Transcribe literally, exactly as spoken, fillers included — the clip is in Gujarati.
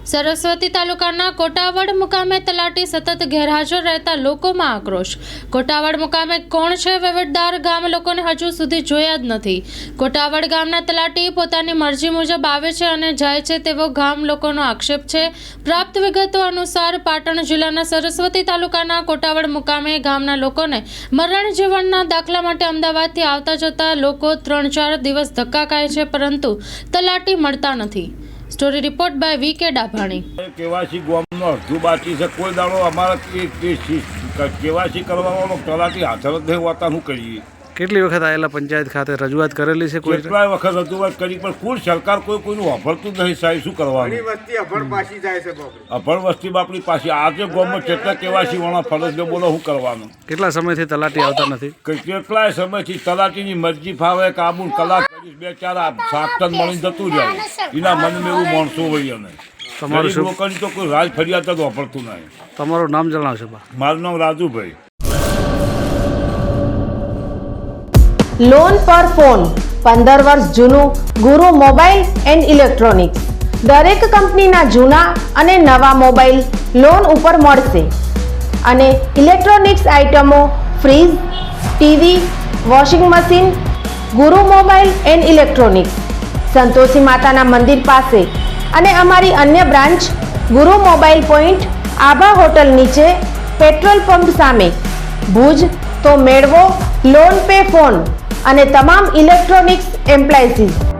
સરસ્વતી તાલુકાના કોટાવડ મુકામે તલાટી સતત ગેરહાજર રહેતા લોકોમાં આક્રોશ। કોટાવડ મુકામે કોણ છે વહીવટદાર ગામ લોકોને હજુ સુધી જોયા જ નથી। કોટાવડ ગામના તલાટી પોતાની મરજી મુજબ આવે છે અને જાય છે તેવો ગામ લોકોનો આક્ષેપ છે। પ્રાપ્ત વિગતો અનુસાર પાટણ જિલ્લાના સરસ્વતી તાલુકાના કોટાવડ મુકામે ગામના લોકોને મરણ જીવનના દાખલા માટે અમદાવાદથી આવતા જતા લોકો ત્રણ ચાર દિવસ ધક્કા ખાય છે, પરંતુ તલાટી મળતા નથી। સ્ટોરી રિપોર્ટ બાય વી કે ડાભાણી। કેવાસી ગામનો અડધું બાકી છે, કોઈ દાડો અમારા કેવાસી કરવાનો તલાટી હાજર જ નહીં હોતા। શું કરીએ? કેટલી વખત આવેલા પંચાયત ખાતે રજૂઆત કરેલી છે? કોઈ કેટલાય વખત રજૂઆત કરી, પણ કોઈ સરકાર કોઈ કોઈનું વાપરતું જ નહીં સાહેબ। શું કરવાનું? અભણ વસ્તી બાપડી પાછી આજે ગામમાં કેટલા કેવાસી વાળા ફરજ બોલો, શું કરવાનું? કેટલા સમયથી તલાટી આવતા નથી? કેટલાય સમયથી તલાટીની મરજી ફાવે કાબુ કલાક કરીશ, બે ચાર સાત ટન મળીને જતું જાય। એના મનમાં એવું માણસો હોય અને તમારું શું લોકોની તો કોઈ રાજ ફરિયાદ જ વાપરતું નહીં। તમારું નામ જણાવશો? મારું નામ રાજુભાઈ। લોન પર ફોન પંદર વર્ષ જૂનું ગુરુ મોબાઈલ એન્ડ ઇલેક્ટ્રોનિક્સ। દરેક કંપનીના જૂના અને નવા મોબાઈલ લોન ઉપર મળશે અને ઇલેક્ટ્રોનિક્સ આઇટમો fridge, TV, washing machine. Guru mobile and electronics Santoshi માતાના મંદિર પાસે અને અમારી અન્ય branch Guru mobile point Abha hotel નીચે, પેટ્રોલ પંપ સામે, ભુજ। તો મેળવો લોન પે ફોન અને તમામ ઇલેક્ટ્રોનિક્સ એપ્લાયન્સીસ।